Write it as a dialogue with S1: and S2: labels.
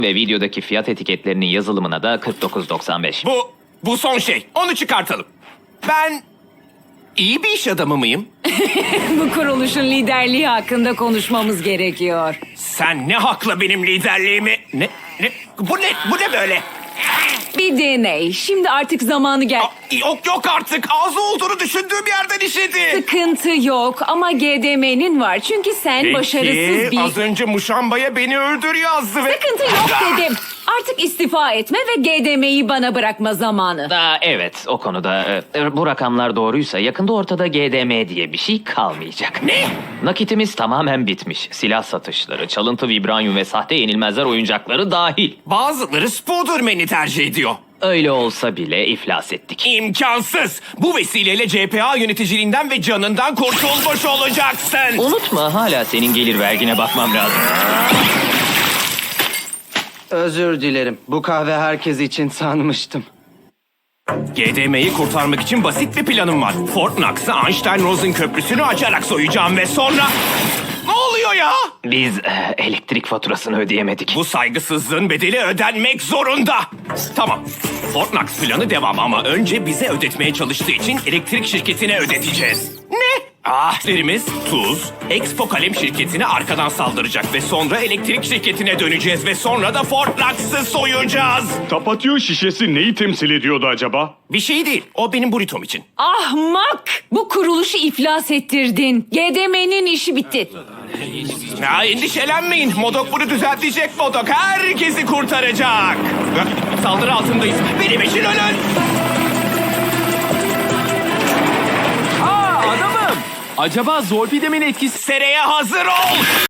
S1: Ve videodaki fiyat etiketlerinin yazılımına da 49.95.
S2: Bu son şey. Onu çıkartalım. Ben iyi bir iş adamı mıyım?
S3: Bu kuruluşun liderliği hakkında konuşmamız gerekiyor.
S2: Sen ne hakla benim liderliğimi... Ne? Bu ne böyle?
S3: Bir deney. Şimdi artık zamanı gel.
S2: Yok artık. Ağzı olduğunu düşündüğüm yerden işedi.
S3: Sıkıntı yok ama GDM'nin var. Çünkü sen başarısız bir...
S2: az önce Muşamba'ya beni öldür yazdı ve...
S3: Sıkıntı yok dedim. Artık istifa etme ve GDM'yi bana bırakma zamanı.
S1: Evet, o konuda bu rakamlar doğruysa yakında ortada GDM diye bir şey kalmayacak.
S2: Ne?
S1: Nakitimiz tamamen bitmiş. Silah satışları, çalıntı vibranyum ve sahte yenilmezler oyuncakları dahil.
S2: Bazıları Spoderman'i tercih ediyor.
S1: Öyle olsa bile iflas ettik.
S2: İmkansız. Bu vesileyle CPA yöneticiliğinden ve canından kurtulmuş olacaksın.
S1: Unutma, hala senin gelir vergine bakmam lazım.
S4: Özür dilerim. Bu kahve herkes için sanmıştım.
S2: GDM'yi kurtarmak için basit bir planım var. Fort Knox'ı Einstein-Rosen köprüsünü açarak soyacağım ve sonra... Ne oluyor ya?
S1: Biz elektrik faturasını ödeyemedik.
S2: Bu saygısızlığın bedeli ödenmek zorunda. Tamam. Fort Knox planı devam ama önce bize ödetmeye çalıştığı için elektrik şirketine ödeteceğiz. Ne? Ahlerimiz Tuz, Expo Kalem şirketine arkadan saldıracak ve sonra elektrik şirketine döneceğiz ve sonra da Fort Knox'ı soyacağız.
S5: Tapatio şişesi neyi temsil ediyordu acaba?
S2: Bir şey değil. O benim burritom için.
S3: Ahmak! Bu kuruluşu iflas ettirdin. GDM'nin işi bitti.
S2: Ya endişelenmeyin. Modok bunu düzeltecek Modok. Herkesi kurtaracak. Saldırı altındayız. Benim için ölün.
S6: Adamım! Acaba Zolpidemin etkisi...
S2: Sereye hazır ol.